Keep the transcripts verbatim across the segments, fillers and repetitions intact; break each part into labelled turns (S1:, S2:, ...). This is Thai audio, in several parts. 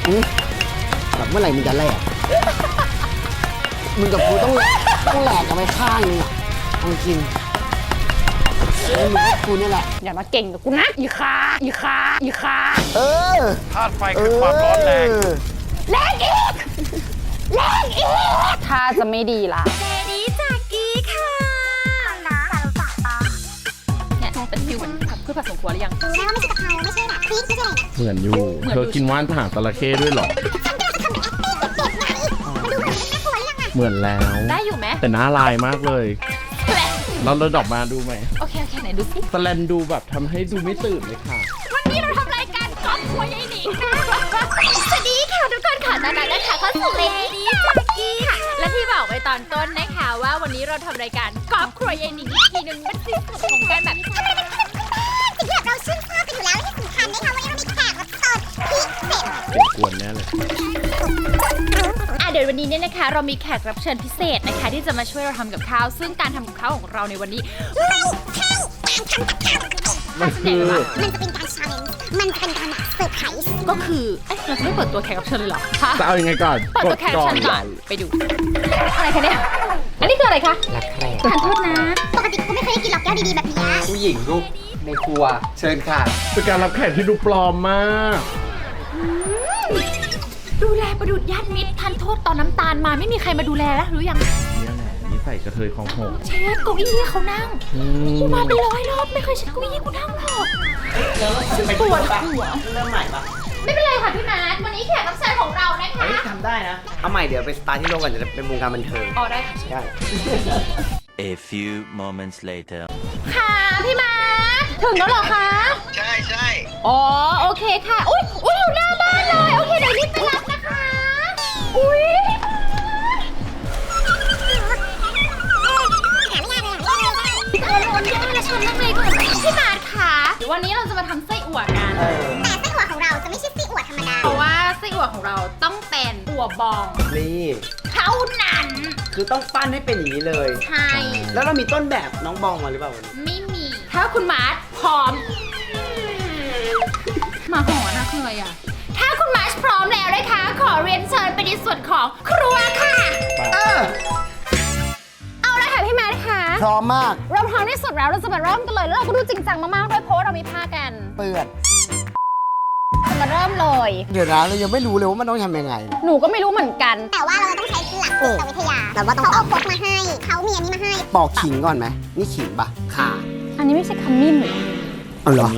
S1: แบบเมื่อไหร่มึงจะแหลกมึงกับกูต้องต้องแหลกกันไปข้างนึงอ่ะเอาจริงมึงกับกูนี่แหละ
S2: อย่ามาเก่งกับกูนะอีขาอีขาอีขา
S1: เออ
S3: ธาตุไฟคือความร้อนแรง
S2: แรงอีกแรงอีกถ้าจะไม่ดีล่ะ
S4: เจดีจากกี้ค่ะ
S2: เนี่ยเป็นฟิวเหมือนพืชผักสวนครัวหรือยัง
S4: รู้ไหมว่าไม่ใช่กะเพราไม่ใช่แบบพริกไม่ใช่อะไรนะ
S5: เหมือนอยู่เธอกินว่านหางจระเข้ด้วยหรอเหมือนแล้ว
S2: ได้อยู่ไหม
S5: แต่หน้าลายมากเลยเราเราดอกมาดูไหม
S2: โอเคโอเคไหนดูสิ
S5: สแลนดูแบบทำให้ดูไม่ตื่นเลยค่ะ
S2: วันนี้เราทำรายการครอบครัวยายหนิงค่ะ
S4: สวัสดีค่ะทุกคนค่ะตอนนั้นนะคะเข้าสู่เจดีจากกี้ค่ะ
S2: และที่บอกไว้ตอนต้นนะคะว่าวันนี้เราทำรายการครอบครัวยายหนิงอีกทีนึงมันคือสุดของการแบบ
S4: สิ่งที่เราชื่นชอบกันอยู่แล้วที่สำคัญนะคะวันนี้เรามีแขกรับเชิญพิเศษ
S5: เก็บกวนแน่เลย
S2: อ่ะเดี๋ยววันนี้เนี่ยนะคะเรามีแขกรับเชิญพิเศษนะคะที่จะมาช่วยเราทำกับข้าวซึ่งการทำกับข้าวของเราในวันนี้
S4: ไม่ใช่การทำกับข้าว
S5: มันคือ
S4: มันจะเป็นการ challenge มันจะเป็นการแบบเซอร์ไพรส์
S2: ก็คือเอ๊ะเราจะไม่เปิดตัวแขกรับเชิญเลยเหรอคะ
S5: จะเอายังไงก่อน
S2: เปิดตัวแขกรับเชิญก่อนไปดูอะไรคะเนี่ยอันนี้คืออะไรคะ
S1: รักแคร่
S2: ทานโทษนะ
S4: ปกติกูไม่เคยได้กินหรอกแก้วดีๆแบบนี้
S1: ผู้หญิงลูกในครัวเชิญค่ะ
S5: เป็นการรับแขกที่ดูปลอมมาก
S2: ดูแลประดุจญาติมิตรทันโทษตอนน้ำตาลมาไม่มีใครมาดูแลแล้วรู้ยัง
S5: เนี่ยแหละนี่ใส่กระเทยของหง
S2: เชฟเก้าอี้เขานั่งกูมาเป็นร้อยรอบไม่เคยเช็ดเก้าอี้กูนั่งหรอกปวดหัว
S1: เริ่มใหม่ปะ
S2: ไม่เป็นไรค่ะพี่มาร์ทวันนี้แขกรับเชิญของเรานะคะ
S1: ทำได้นะเอาใหม่เดี๋ยวไปสตาร์ทที่โลกก่อนจะเป็นวงการบันเทิง
S2: อ๋อได้ค่ะ
S1: ใช่
S6: A few moments later
S2: ค่ะพี่มาร์ทถึงแล้วเหรอคะ
S3: ใช่ใช่
S2: อ๋อโอเคค่ะอุ้ยอุ้ยอยู่หน้าบ้านเลยโอเคเดี๋ยวรีบไปรับนะคะอุ้ยเอาโอนย่าและชนนั่งเลยก่อนพี่มาร์ทค่ะวันนี้เราจะมาทำไส้อั่วกัน
S4: แต่ไส้อั่วของเราจะไม่ใช่ไส้อั่วธรรมดา
S2: เพราะว่าไส้อั่วของเราต้องเป็นอั่วบอง
S1: นี่
S2: เท่านั้น
S1: คือต้องปั้นให้เป็นอย่างนี้เลย
S2: ใช่
S1: แล้วเรามีต้นแบบน้องบองมาหรือเปล่าวันนี้
S2: ไม่มีถ้าคุณมาร์ทพร้อมมาหอนะคืออะไรอ่ะถ้าคุณมาร์ทพร้อมแล้วนะคะขอเรียนเชิญไปในส่วนของครัวค่ะ
S1: เออ
S2: เอาละค่ะพี่มาร์ทค่ะ
S1: พร้อมมาก
S2: เราพร้อมที่สุดแล้วเราจะมาเริ่มกันเลยแล้วเราก็ดูจริงจังมากๆด้วยเพราะเรามีผ้ากัน
S1: เปิด
S2: มาเริ่มเลย
S1: เดี๋ยวนะเรายังไม่รู้เลยว่ามันต้องทำยังไง
S2: หนูก็ไม่รู้เหมือนกัน
S4: แต่ว่าเราต้องใช้หลักจิตวิทยาแบบว่าต้องเอาพกมาให้เขามีอันนี้มาให้
S1: ปอกขิงก่อนไหมนี่ขิงปะค่ะ
S2: อันนี้ไม่ใช่ขมิ้นหรอ
S1: อ๋อเหรอ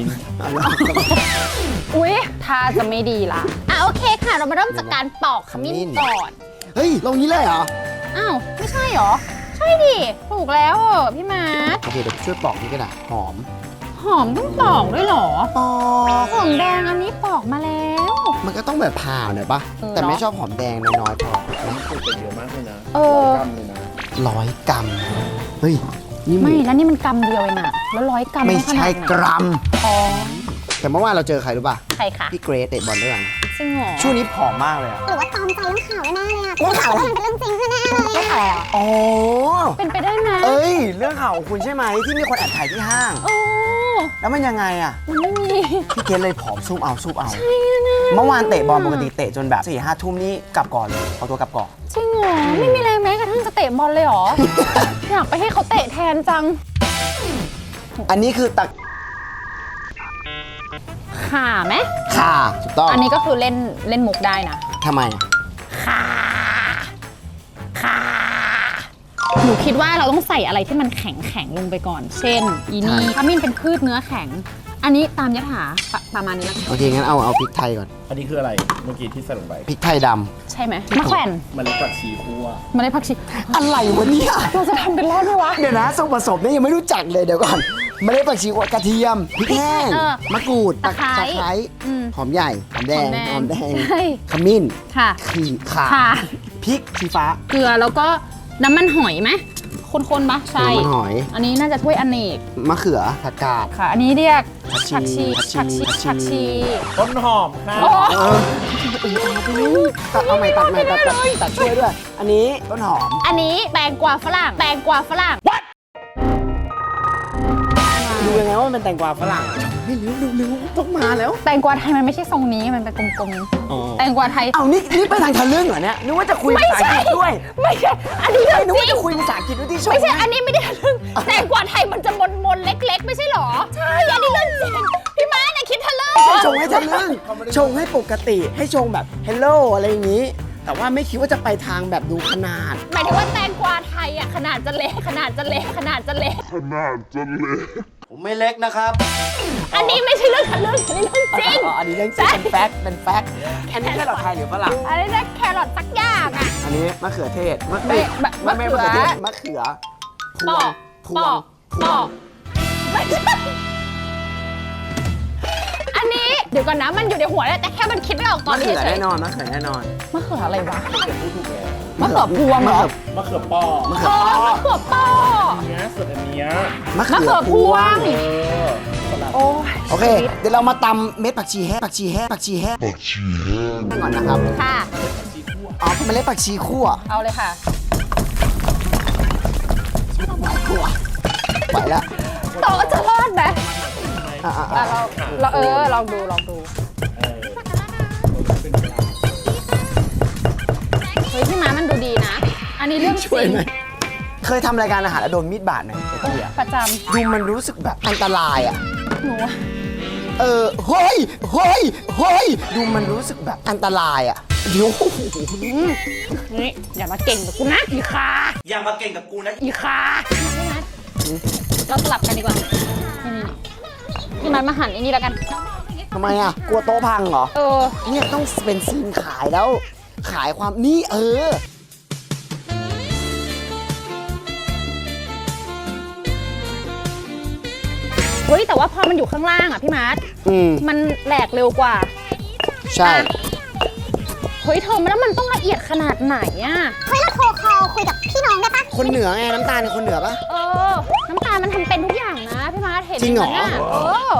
S2: อุ้ยถ้าจะไม่ดีล่ะอ่ะโอเคค่ะเรามาเริ่มจากการปอกขมิ้นก่อน
S1: เฮ้ยลงนี้เลยเหรอ
S2: อ้าวไม่ใช่เหรอใช่ดิถูกแล้วพี่มาร์ท
S1: โอเคเดี๋ยวช่วยปอกนี่ก็ได้หอม
S2: หอมต้องปอกด้วยเหรอ
S1: ปอก
S2: หอมแดงอันนี้ปอกมาแล้ว
S1: มันก็ต้องแบบผ่าหน่อยปะแต่ไม่ชอบหอมแดงน้อยๆพอ
S5: นะเป็นเยอะมากเลยนะ
S2: เออ
S1: ร้อยกรัมเฮ้ย
S2: นี่ไม่แล้วนี่มันกรัมเดียวเองอะแล้วร้อยกรัม
S1: ไม่ใช่กรัม
S2: อ๋อ
S1: แต่เมื่อวานเราเจอใครรู้ป่ะ
S2: ใครคะ
S1: พี่เกรซเตะบอลด้วยกัน
S2: จริงเหรอ
S1: ช่วงนี้ผอมมากเลยอะ
S4: หรือว่าตอมใจเรื่องข่าวแน่เลยอะเรื่องข่าวเป็นเรื่องจริงแน่เลยเรื่องข่าว
S1: อ๋อ
S2: เป็นไปได้ไหม
S1: เอ้ยเรื่องข่าวของคุณใช่ไหมที่มีคนแอบถ่ายที่ห้าง
S2: โอ้
S1: แล้วมันยังไงอะ
S2: มันไม่มี
S1: พี่เกรซเลยผอมซุ่มเอาซุ่มเอาเมื่อวานเตะบอลปกติเตะจนแบบสี่ห้าทุ่มนี่กลับก่อนเลยเอาตัวกลับก่อน
S2: จริงเหรอไม่มีแรงแม้กระทั่งจะเตะบอลเลยเหรอ อยากไปให้เขาเตะแทนจัง
S1: อันนี้คือตัก
S2: ข่าไหม
S1: ข่าถูกต้อง
S2: อันนี้ก็คือเล่นเล่นมุกได้นะ
S1: ทำไม
S2: ข่าข่าหนูคิดว่าเราต้องใส่อะไรที่มันแข็งแข็งลงไปก่อนเช่นอีนี่ขมิ้นเป็นพืชเนื้อแข็งอันนี้ตามยถาประมาณนี้แล้ว
S1: โอเคงั้นเอาเอาพริกไทยก่อน
S5: อันนี้คืออะไรเมื่อกี้ที่ใส่ลงไป
S1: พริกไทยดำ
S2: ใช่ไหมมะแขวน
S5: มันเล็กผักชีคั่ว
S2: มันเล็กผักชี
S1: อะไรวะเนี่ย
S2: เราจะทำเป็นรอดไหมวะ
S1: เดี๋ยวนะส่วนผสมนี่ยังไม่รู้จักเลยเดี๋ยวก่อนมันเล็กผักชีกระเทียมพริกแห้งมะกรูด
S2: ตะไคร้
S1: หอมใหญ่หอมแดงหอมแดงข
S2: มิ้
S1: น
S2: ค่ะ
S1: ขิงข่าพริกชี้ฟ้า
S2: เกลือแล้วก็น้ำมันหอยไหมคนๆปะใช่
S1: น้ำมันหอย
S2: อันนี้น่าจะถ้วยอเนก
S1: มะเขือผักกาด
S2: ค่ะอันนี้เรียก
S1: ผักชี
S2: ผักชีผักชี
S5: ต้นหอมค่ะ
S1: ตัดเอาใหม่ตัดใหม่ตัดตัดตัดช่วยด้วยอันนี้ต้นหอม
S2: อันนี้แตงกวาฝรั่งแตงกวาฝรั่ง
S1: ดูยังไงว่ามันเป็นแตงกวาฝรั่งไม่รู้เร็วๆต้องมาแล้ว
S2: แตงกวาไทยมันไม่ใช่ทรงนี้มันเป็นกลม
S1: อ๋อ
S2: ๆแตงกวาไทย
S1: เอานี่นี่ไปทางทะลึ่งเหรอเนี่ยนึกว่าจะคุยภาษาอังกฤษด้วย
S2: ไม่ใช่อันนี้
S1: ไม่
S2: เรื่อง
S1: นึก
S2: จ
S1: ว่า
S2: ริ
S1: จะ
S2: ง
S1: คุยภาษาอังกฤษด้วยที่ชม
S2: ไม่ใช่อันนี้ไม่ได้ทะลึ่งแตงกวาไทยมันจะมนๆเล็ก ๆ ไม่ใช่หรอใช่อันนี้เรื่องจริงพี่ม้าเนี่ยคิดทะลึ่ง
S1: ไม่ใช่ชงให้ทะลึ่งชงให้ปกติให้ชงแบบ hello อะไรอย่างนี้ แต่ว่าไม่คิดว่าจะไปทางแบบดูขนาด
S2: หมายถึงว่าแตงกวาไทยอ่ะขนาดจะเล็กขนาดจะเล็กขนาดจะเล็ก
S1: ผมไม่เล็กนะครับ
S2: อันนี้ไม่ใช่เรื่องทะลึ่งอันนี้เรื่องจริง
S1: อ๋ออันนี้เรื่องจริงเป็นแฟกต์เป็นแฟกต์อันนี้แค่หลอดไทยหรือฝรั่ง
S2: อันนี้นะแครอทสักอย่างอ่ะ
S1: อันนี้มะเขือเทศมะ
S2: ไม่
S1: ไม่
S2: มะ
S1: ไม่
S2: มะ
S1: ไม่
S2: เขื
S1: มะ
S2: อ
S1: เขือเทศมะเขือพ
S2: ป
S1: ว
S2: อง ก
S1: พ
S2: ป
S1: ว
S2: อง ก
S1: พ
S2: ป
S1: ว
S2: อง กไม่ใช่อันนี้เดี๋ยวก่อนนะมันอยู่ในหัวแล้วแต่แค่มันคิดไม่ออกตอ
S1: มะ
S2: นนี้
S1: เขือ
S2: เฉย
S1: แน่นอนมะเขือแน่นอน
S2: มะเขืออะไรวะมะเขือพวงเหรอ
S5: มะเขือปอก
S1: มะเขื
S2: เอ
S1: อ
S2: อมะเขือปอ
S5: เนี้ยส่วนอันเนี้ย
S1: มะ
S2: มะ
S1: เขื
S2: เขื
S1: อ
S2: อ
S1: พ
S2: พ
S1: ว
S2: ว
S1: ง
S2: ง
S5: เออ
S2: โอ้ย
S1: โอเค เดี๋ยวเรามาตำเม็ดผักชีแห้งผักชีแห้งผักชีแห้งผักชีแห้งก่อนนะครับ
S2: ค่ะ
S1: อ๋อเมล็ดผักชีคั่ว
S2: เอาเลยค่ะ
S1: คั่วไหวแล้ว
S2: โตะจะรอดไหม
S1: อ่ะอ่ะ
S2: อ่ะ
S1: อ่ะ
S2: เราเราเออลองดูลองดูเฮ้ยพี่ม้ามันดูดีนะ อันนี้เรื่องจ
S1: ช่วย
S2: ริง
S1: หน่อยเคยทำรายการอาหารแล้วโดนมีดบาดไหมไอ้เตี้ย
S2: ประจ
S1: ดูมันรู้สึกแบบอันตรายอ่ะ
S2: ำหนู
S1: เออเฮ้ยเฮ้ยเฮ้ยดูมันรู้สึกแบบอันตรายอ่ะเดี๋ยว
S2: นี่อย่ามาเก่งกับกูนะอีคา
S3: อย่ามาเก่งกับกูนะ
S2: อีคาพี่มัดเราสลับกันดีกว่า นี่นี่พี่มัดมาหั่นไอ้นี่แล้วกัน
S1: ทำไมอ่ะกลัวโต๊ะพังเหรอ
S2: เออ
S1: เนี่ยต้องเป็นซีนขายแล้ว ขายความนี่เออ
S2: เฮ้ยแต่ว่าพอมันอยู่ข้างล่างอ่ะพี่มัด
S1: อืม
S2: มันแหลกเร็วกว่า
S1: ใช่
S2: เฮ้ยเธอแล้วมันต้องละเอียดขนาดไหนอ่ะ
S4: เฮ้ยเราโทรคอลคุยกับพี่น้องได้ปะ
S1: คนเหนือไงน้ำตาลเป็นคนเหนือปะ
S2: เออ น้ำตาลมันทำเป็นทุกอย่างนะพี่มัดเห็น
S1: จริงเหรอ
S2: ไมนี่ยเออ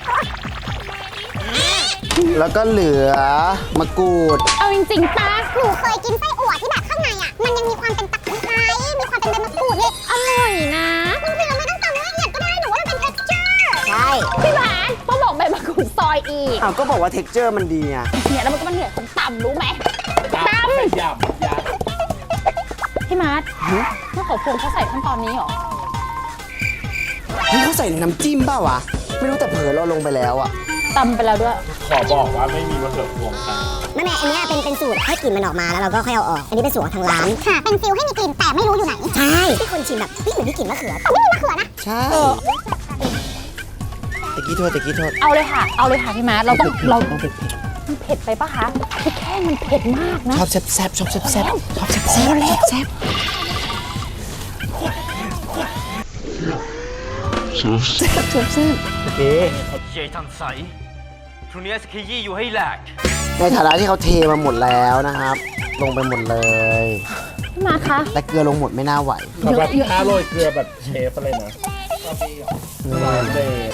S1: แล้วก็เหลือมะกรูด
S2: เอาจริงๆตา
S4: หนูเคยกินไส้อั่วที่แบบข้างในอ่ะ มันยังมีความเป็นตะไคร้มีความเป็นใบมะกรูดเนี่ย
S2: อร่อยนะ
S4: บางทีเราไม่ต้องตำละเอียดก็ได้หนูว่ามันเป็น texture ใช่
S2: พี่มัดก็บอกใบมะกรูดซอยอีก
S1: อ้าวก็บอกว่า texture มันดีไง
S2: เนี่ยแล้วมันก็มันเหนื่อยคนต่ำรู้ไหมต่ำ
S5: ขยับยัด
S2: พี่มัดเมื่อเขาพวงเขาใส่ขั้นตอนนี้เหรอ
S1: เฮ้ยเขาใส่ในน้ำจิ้มเปล่าวะ ไม่รู้แต่เผลอเราลงไปแล้วอะ
S2: ตำไปแล้วด้วย
S5: ขอบอกว่าไม่มีมะเขือพวงค่ะ
S4: ไม่แม่อันนี้เป็นเป็นสูตรให้กลิ่นมันออกมาแล้วเราก็ค่อยเอาออก อันนี้เป็นสูตรของทางร้าน ค่ะ เป็นฟิลให้มีกลิ่นแต่ไม่รู้อยู่ไหน ใช่ที่คนชิมแบบนี่เหมือนมีกลิ่นมะเขือแต่ไม่มีมะเขือนะ
S1: ใช่ตะกี้โทษตะกี้โทษ
S2: เอาเลยค่ะ เอาเลยค่ะพี่มัดเราต้องเรา
S1: ต้องเผ็ด
S2: มันเผ็ดไปปะคะพี่แค่มันเผ็ดมากนะ
S1: ชอบแซ่บแซ่บชอบแซ่บแซ่บชอบแซ่บแซ่บแซ่บแซ่บ โอเค
S3: ใหญ่ทันใสพรุ่งนี้สกียี่อยู่ให้แหลก
S1: ในฐานะที่เขาเทมาหมดแล้วนะครับ ลงไปหมดเลย
S2: พี่มัดคะ
S1: แต่เกลือลงหมดไม่น่าไหว
S5: แบบแบบถ้าโรยเกลือแบบเชฟอะไรนะโรยเดย์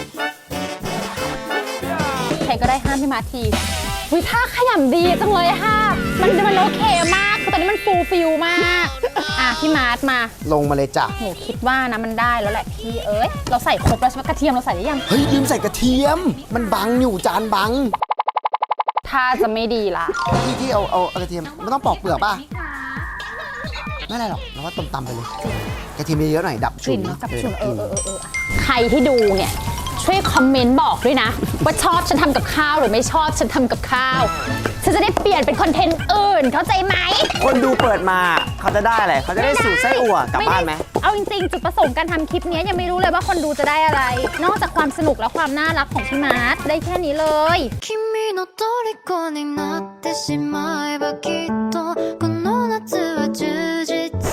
S2: ใครก็ได้ห้ามพี่มัดทีวิท่าขยำดีจังเลยค่ะ มันมันโอเคมากคือตอนนี้มันฟูลฟิลมากอ่ะพี่มัดมา
S1: ลงมาเลยจ้ะ
S2: หนูคิดว่านะมันได้แล้วแหละพี่เอ้ยเราใส่ครบแล้วใช่ไหมกระเทียมเราใส่ได้ยัง
S1: เฮ้ยลืมใส่กระเทียม มันบังอยู่จานบัง
S2: ถ้าจะไม่ดีละ
S1: ที่ที่เอาเอาเอากระเทียมมันต้องปอกเปลือกป่ะ ไม่อะไรหรอกเราว่าต้มตำไปเลย กระเทียมเยอะๆหน่อยดับ
S2: ก
S1: ฉุ
S2: ลิ่
S1: น
S2: นกับ
S1: เออ
S2: ฉุนเอ
S1: ดั
S2: อบ
S1: ก
S2: เอ
S1: ลิ่น
S2: อเออเออใครที่ดูเนี่ยช่วยคอมเมนต์บอกด้วยนะ ว่าชอบฉันทำกับข้าวหรือไม่ชอบฉันทำกับข้าวฉันจะได้เปลี่ยนเป็นคอนเทนต์อื่นเข้าใจไหม
S1: คนดูเปิดมาเขาจะได้อะไรเขาจะได้สูตรไส้อั่วกลับบ้านไหม
S2: เอาจริงๆ จุดประสงค์การทำคลิปนี้ยังไม่รู้เลยว่าคนดูจะได้อะไร นอกจากความสนุกและความน่ารักของพี่มาร์ทได้แค่นี้เลย
S7: 君の虜になってしまえばきっとこの夏は充実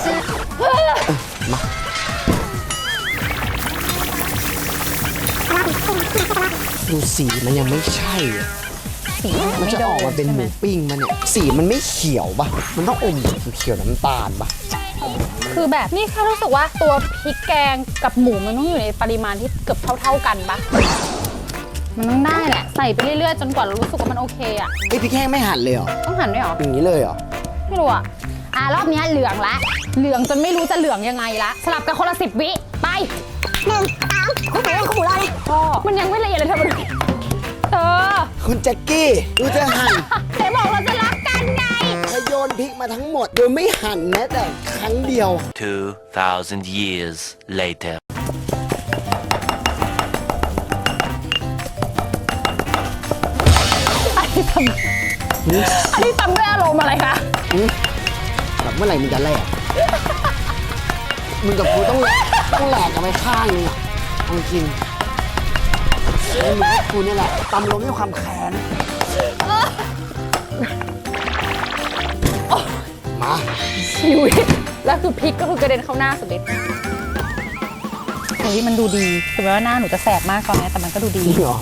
S1: ดูสีมันยังไม่ใช่อะ
S2: สี
S1: มันจะออกมาเป็นห
S2: ใช่ไห
S1: มูปิ้งมันเนี่ย สีมันไม่เขียวปะมันต้องอมเขียวน้ำตาลปะ
S2: คือแบบนี่แค่รู้สึกว่าตัวพริกแกงกับหมูมันต้องอยู่ในปริมาณที่เกือบเท่าๆกันปะมันต้องได้แหละใส่ไปเรื่อยๆจนกว่าเรารู้สึกว่ามันโอเคอะ
S1: ไอ้ยพริกแห้งไม่หั่นเลยเหรอ
S2: ต้องหั่นด้วยเหรอ
S1: อย่างนี้เลยเหรอ
S2: ไม่รู้อะอ่ะรอบเนี้ยเหลืองละเหลืองจนไม่รู้จะเหลืองยังไงละสลับกันคนละสิบวิไป
S4: หนึ่งสองเขาหมูเขาหมูรอเลย
S2: พ่อมันยังไม่ละเอียดเลยเธอมาดูเธอ
S1: คุณแจ็คกี้ดูจะหั่น
S2: เจ๊บอกเราจะรักกันไง
S1: ถ้าโยนพริกมาทั้งหมด โดยไม่หั่นแม้แต่ครั้งเดียว
S6: Two thousand years later.
S2: อันนี้ทำอันนี้ทำด้วยอารมณ์อะไรคะ
S1: แบบเมื่อไหร่มึงจะแลกมึงกับกูต้องแลกต้องแหลกกันไปข้างนึงอ่ะเอาจริงแล้วมึงกับกูเนี่ยแหละตำลมด้วยความแค้นมา
S2: ชีวิตแล้วคือพริกก็คือกระเด็นเข้าหน้าสุดฤทธิ์เฮ้ยมันดูดีถึงแม้ว่าหน้าหนูจะแสบมากตอนนี้แต่มันก็ดูดี
S1: จริงเหรอ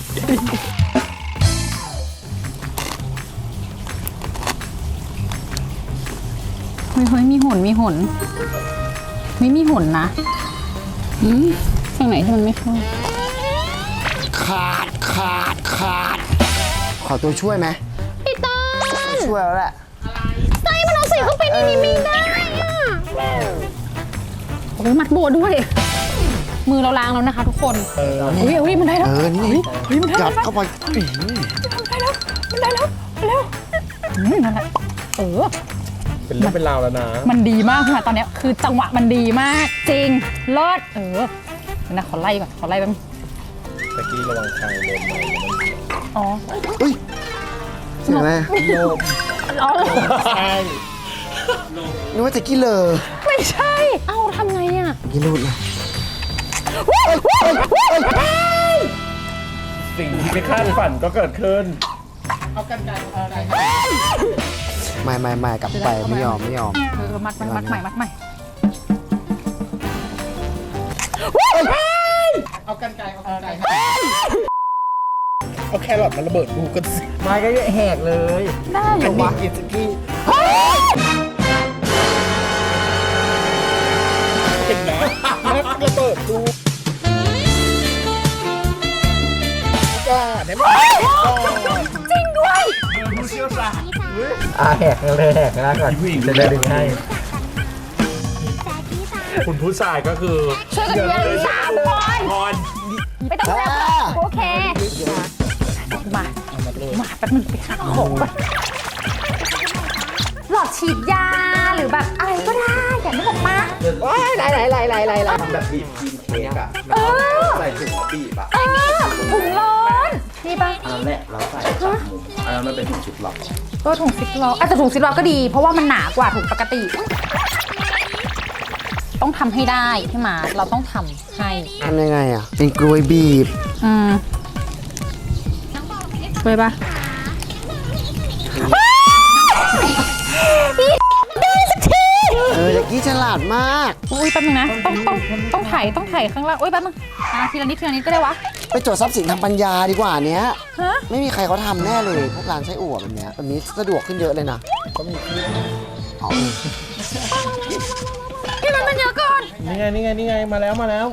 S2: เฮ้ยเฮ้ยมีหุ่นมีหุ่นไม่มีหุ่นนะอืมฝั่งไหนที่มันไม่เข้า
S1: ขาดขาดขาดขอตัวช่วยไหม
S2: พี่ต้น
S1: ช่วยแล้วแหละ
S2: ไส้มันเอาใส่เข้าไปในนี้ไม่ได้อะโอ้ยมัดโบด้วย มือเราล้างแล้วนะคะทุกคนเฮ้ยเฮ้ยมันได้แล้ว
S1: เออนี่
S2: เฮ้ยมันได้
S1: ยั
S2: แล้
S1: ด
S2: ว
S1: เข้าไปอื้อหือ
S2: มันได้แล้วมันได้แล้วอืมนั่นแหละเออ
S5: เป็นเรื่องเป็นราวแล้วนะ
S2: มันดีมากค่ะตอนเนี้ยคือจังหวะมันดีมากจริงเลิศเออเดี๋ยวนะขอไล่ก่อนขอไล่แป๊บนึง
S5: ตะกี้ระวังคางโดนไม้นะ
S2: อ๋อ
S1: อุ้ยเสียงอะไร
S5: โยม
S2: อ๋อ
S5: ใช่
S1: นึกว่าแจ็คกี้เลอ
S2: ไม่ใช่ เอ้าทำไงอ่ะ
S1: แจ็คกี้รูดเลย
S5: สิ่งที่ไม่คาดฝันก็เกิดขึ้น
S1: ไม่ไม่ไม่กลับไปไม่ยอมไม่ยอม
S2: เออมัดมัดมัดใหม่มัดใหม่
S5: เอาแครอทมาระเบิดดูกันสิไม้ก็แหกเลย
S2: ได้เหร
S5: อัน
S2: อ
S5: นี้
S2: วะ
S5: กินสกี้เห็นนะแล้วระเบิดดูก่อนได้ไหมก่อน
S2: จริงด้วย
S5: ผู้เชี่ยวชาญอ่าแหกเลยแหกนะก่อนจะได้ดึงให้ คุณผู้ชายก็คือ
S2: ช่วยกันเรียนสามคน
S5: พร
S2: ไม่ต้องเรียกโอเค มา มาแป๊บนึงไปหาของก่อนหลอดฉีดยาหรือแบบอะไรก็ได้อย่างนี้บอกมา
S1: ว้ายไหลไหลไหลไหลไหลไหล
S8: ทำแบบบีบกินเค้กอะ
S2: เออ
S8: ใส่ถุงแล้วบีบอะ
S2: เออถุงร้อนนี่ปะ
S8: อันนั้นแหละเราใส่จับมุมอันนั้นมันเป็นถุงชุดหลอก
S2: ก็ถุงซิปล็อกอาจจะถุงซิปล็อกก็ดี เพราะว่ามันหนากว่าถุงปกติ ต้องทำให้ได้พี่มาเราต้องทำให้
S1: ทำยังไงอ่ะ เป็นกลวยบีบ
S2: อืมไปปะได้สักที
S1: เออแจ็คกี้ฉลาดมาก
S2: อุ้ยแป๊บนึงนะ ต้องต้องต้องถ่ายต้องถ่ายข้างล่างอุ้ยแป๊บนึงอ่ะทีละนิดทีละนิดก็ได้วะ
S1: ไปจดทรัพย์สินทางปัญญาดีกว่าเนี้ย
S2: ฮะ
S1: ไม่มีใครเขาทำแน่เลย พวกร้านไส้อั่วแบบเนี้ยแบบนี้สะดวกขึ้นเยอะเลยนะอ๋อ
S2: พี่มันมันเยอะก่อน
S5: นี่ไงนี่ไงนี่ไงมาแล้วมาแล้ว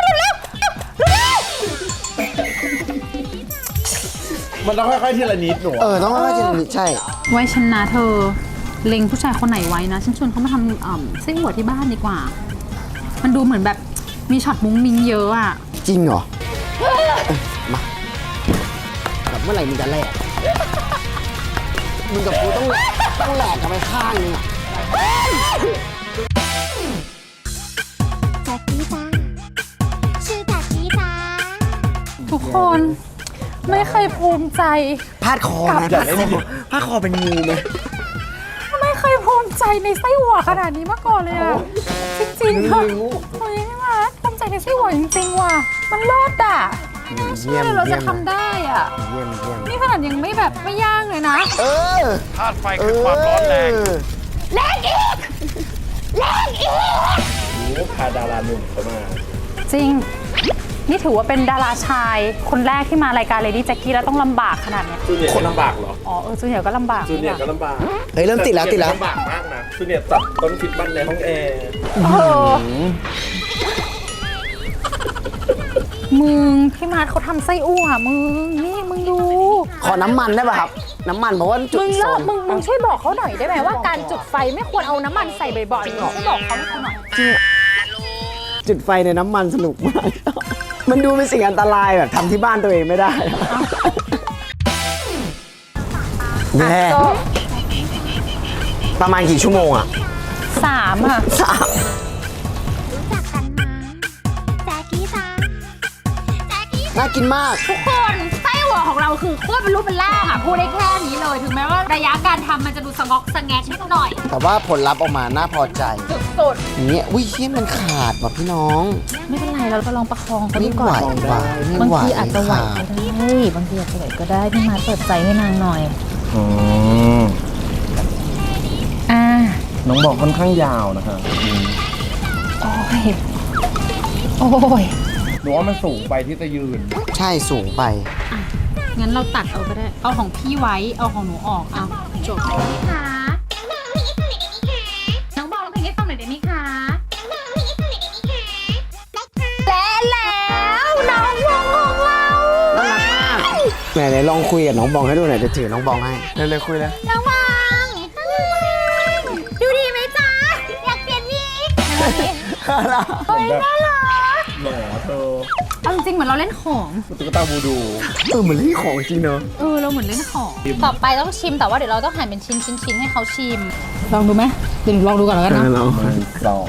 S5: มันต้องค่อยๆทีละนิดหนู
S1: เออต้องว่าจะนิดใช่
S2: ไว้ชนะเธอ เล็งผู้ชายคนไหนไว้นะฉันชวนเขามาทำอ่ำไส้หัวที่บ้านดีกว่า มันดูเหมือนแบบมีช็อตมุ้งมิ้งเยอะอ่ะ
S1: จริงเหรอเอ้ยมาแบบเมื่อไหร่มึงจะแลกมึงกับกูต้องแลกต้องแหลกกันไปข้างนึงอ่ะ
S4: แจ็คกี้จ้าชื่อแจ็คกี้จ้า
S2: ทุกคนไม่เคยภูมิใจ
S1: พาดคอไหมพาดคอพาดคอเป็นงูไหม
S2: ไม่เคยภูมิใจในไส้หัวขนาดนี้มาก่อนเลยอะจริงๆค่ะโอ้ยพี่มาภูมิใจในไส้หัวจริงๆว่ะมันเลิศอ่ะไม่น่าเชื่อเลยเราจะทำได้อ่ะ
S1: เยี่ยมเยี่ยม
S2: นี่ขนาดยังไม่แบบไม่ย่างเลยนะ
S1: เออ
S3: ธาตุไฟคือความร้อนแรง
S2: แรงอีกแรงอีก
S5: โอ้พาดาราหนุ่มเข้ามา
S2: จริง นี่ถือว่าเป็นดาราชายคนแรกที่มารายการ Lady Jackie แล้วต้องลำบากขนาดเนี้ย
S5: จูเนียร์ก็ลำบากเหรอ
S2: อ๋อเออจูเนียร์ก็ลำบาก
S5: จูเนียร์ก็ลำบาก
S1: เฮ้ยเริ่มติดแล้วติดแล้ว
S5: ลำบากมากนะจูเนียร์ตัดต้นคิดบ้านในห้องแอร์
S2: เออมึงพี่มาร์ทเขาทำไส้อั่วมึงนี่มึงดู
S1: ขอน้ำมันได้ป่ะครับ น้ำมันเพราะว่าจุด
S2: มึง
S1: โซ
S2: เลิก
S1: น
S2: มึงมึงช่วยบอกเขาหน่อยได้ไหมว่าการจุดไฟไม่ควรเอาน้ำมันใส่บ่อยๆมึงช่วยบอกเขาให้เขาหน่อย
S1: จุดไฟในน้ำมันสนุกมากมันดูเป็นสิ่งอันตรายแบบทำที่บ้านตัวเองไม่ได้แม่ประมาณกี่ชั่วโมงอะ
S2: สามค่ะ
S1: สาม น่ากินมาก
S2: ทุกคนไส้หัวของเราคือโคตรเป็นรูปเป็นร่างอ่ะพูดได้แค่นี้เลยถึงแม้ว่าระยะการทำมันจะดูสงอกสงแงกนิดหน่อย
S1: แต่ว่าผลลัพธ์ออกมาน่าพอใจ
S2: สุด
S1: อย่างเงี้ยอุ้ยเฮี้ยมันขาดว่ะพี่น้อง
S2: ๆไม่เป็นไรเราก็ลองประคองเขา
S1: ไม่
S2: ดู
S1: ไห
S2: ก่
S1: ว
S2: อน
S1: ว่ะไม่
S2: บาง
S1: ไหว
S2: ทีอาจจะไหว
S1: ขา
S2: ก็
S1: ด
S2: ได้บางทีอาจจะไหวก็ได้พี่มาเปิดใจให้นางหน่อย
S5: อืม
S2: อ่า
S5: น้องบอกค่อนข้างยาวนะคะอืม
S2: โอ้ยโอ้ย
S5: หนูว่ามันสูงไปที่จะยืน
S1: ใช่สูงไป
S2: งั้นเราตัดเอาก็ได้เอาของพี่ไว้เอาของหนูออกเอาจบพี่คะน้องบอกเราเพลงให้ฟังหน่อยได้ไหมคะและแล้วน้องวงของเรา
S1: น่ารักมากไหนไหนลองคุยกับน้องบองให้ดูหน่อยจะถือน้องบองให้เร็วๆคุยเลย
S2: น้องวางดูดีไหมจ๊ะอยากเปลี่ยนวิกเฮ้ยน่ารัก
S5: หล่อเธอ
S2: เอาจริงๆเหมือนเราเล่นของ
S5: ตุ๊กตาบูดู
S1: เออเหมือนเล่นของจริงเนอะ
S2: เออเราเหมือนเล่นของต่อไปต้องชิมแต่ว่าเดี๋ยวเราต้องหั่นเป็นชิ้นชิ้นชิ้นให้เขาชิมลองดูไหมเดี๋ยวหนูลองดูก่อนแล้วกันนะ
S1: ลอง
S5: มันสอง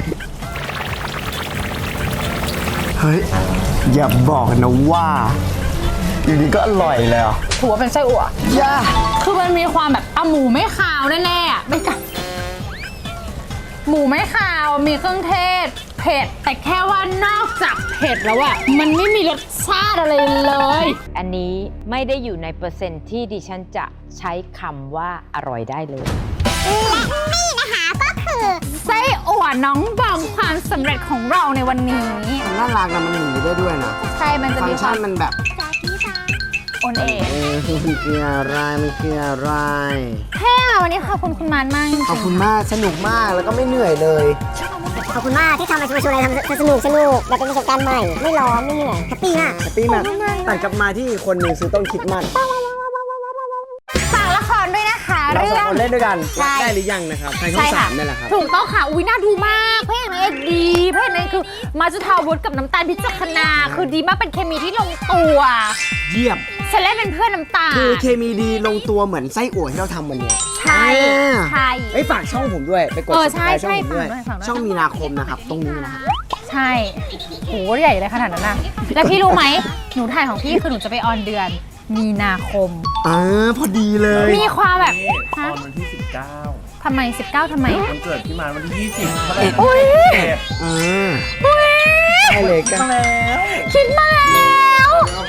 S1: เฮ้ยอย่าบอกนะว่าอยู่ดีก็อร่อยเลยอ่ะ
S2: ถือว่าเป็นไส้อั่ว
S1: ย่า
S2: คือมันมีความแบบอ่ะหมูไม่ขาวแน่ๆอ่ะไม่กับหมูไม่ขาวมีเครื่องเทศเผ็ดแต่แค่ว่านอกจากเผ็ดแล้วอ่ะมันไม่มีรสชาติอะไรเลย
S9: อันนี้ไม่ได้อยู่ในเปอร์เซ็นต์ที่ดิฉันจะใช้คำว่าอร่อยได้เลย
S4: นี่นะคะก็คือ
S2: ไส้อั่วน้องบองความสำเร็จของเราในวันนี้
S1: มันน่ารักนะมันหนีได้ด้วยนะ
S2: ใช่มันจะ
S1: ฟัง
S2: มี
S1: ก์
S2: ค
S1: ชั
S2: วาม
S1: นมันแบบ
S2: โอนเอง
S1: เออมันคืออะไรมันคืออะไร
S2: แค่วันนี้ขอบคุณคุณมานมากจริงๆ
S1: ขอบคุณมากสนุกมากแล้วก็ไม่เหนื่อยเลย
S4: ขอบคุณมากที่ทำมาชวนชวนอะไรทำสนุกสนุกแบบเป็นประสบการณ์ใหม่ ไม่ร้อนไม่เหนื่อยแฮปปี้มาก
S1: แฮปปี้มากตัดกลับมาที่อีกคนหนึ่งซื้อต้นคิดมัน
S2: ฝากละครด้วยนะคะ
S1: เรา
S2: เรื่
S1: ส
S2: อ
S1: อง
S2: ง
S1: คนเล่นด้วยกัน
S2: ใช่
S1: รักได้หรือยังนะครับทางช่องสามนี่แหละครับ
S2: ถูกต้องค่ะ อุ้ยน่าดูมากพระเอกนางเอกดีพระเอกนางเอกคือมาจุธาวุฒิกับน้ำตาลพิจักนา คือดีมากเป็นเคมีที่ลงตัว
S1: เยี่ยม
S2: ฉันเล่นเป็นเพื่อนน้ำตาล
S1: คือเคมีดีลงตัวเหมือนไส้อั่วที่เราทำวันเนี้ย
S2: ใช่
S1: อ่า
S2: ใช่
S1: เอ้ยฝากช่องผมด้วยไปกด
S2: เออ
S1: subscribe
S2: ใช่
S1: ช่องผมด้วย
S2: ใช่ฝากด้วยฝากด้วย
S1: ช่องมีนาคมนะครับตรงนี้นะครับ
S2: ใช่โหใหญ่เลยขนาดนั้นนะแล้วพี่รู้ไหมหนูถ่ายของพี่คือหนูจะไปออนเดือนมีนาคม
S1: อ่าพอดีเลย
S2: มีความแบบ
S5: นี่ต
S2: ฮะ
S5: อนวันที่สิบเก้า
S2: ทำไมสิบเก้าทำไม
S5: วันเกิดพี่มานวันที่ยี่สิบเท่าไหร่
S2: อุ๊ย
S5: เอ็ด
S1: อ่าได้เลยกัน
S5: มาแล้ว
S2: คิดมาแล้ว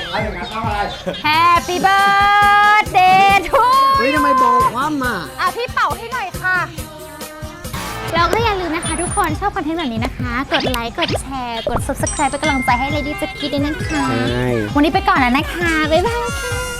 S2: Happy birthday to
S1: เฮ้ยทำไมบอกว่ามา
S2: อ่ะพี่เป่าให้หน่อยค่ะ แล้วก็อย่าลืมนะคะทุกคนชอบคอนเทนต์แบบนี้นะคะ กดไลค์ กดแชร์ กด Subscribe เป็นกำลังใจให้ Lady Jackie ด้วยนะคะ
S1: ใช่
S2: วันนี้ไปก่อนแล้วนะคะ บ๊ายบายค่ะ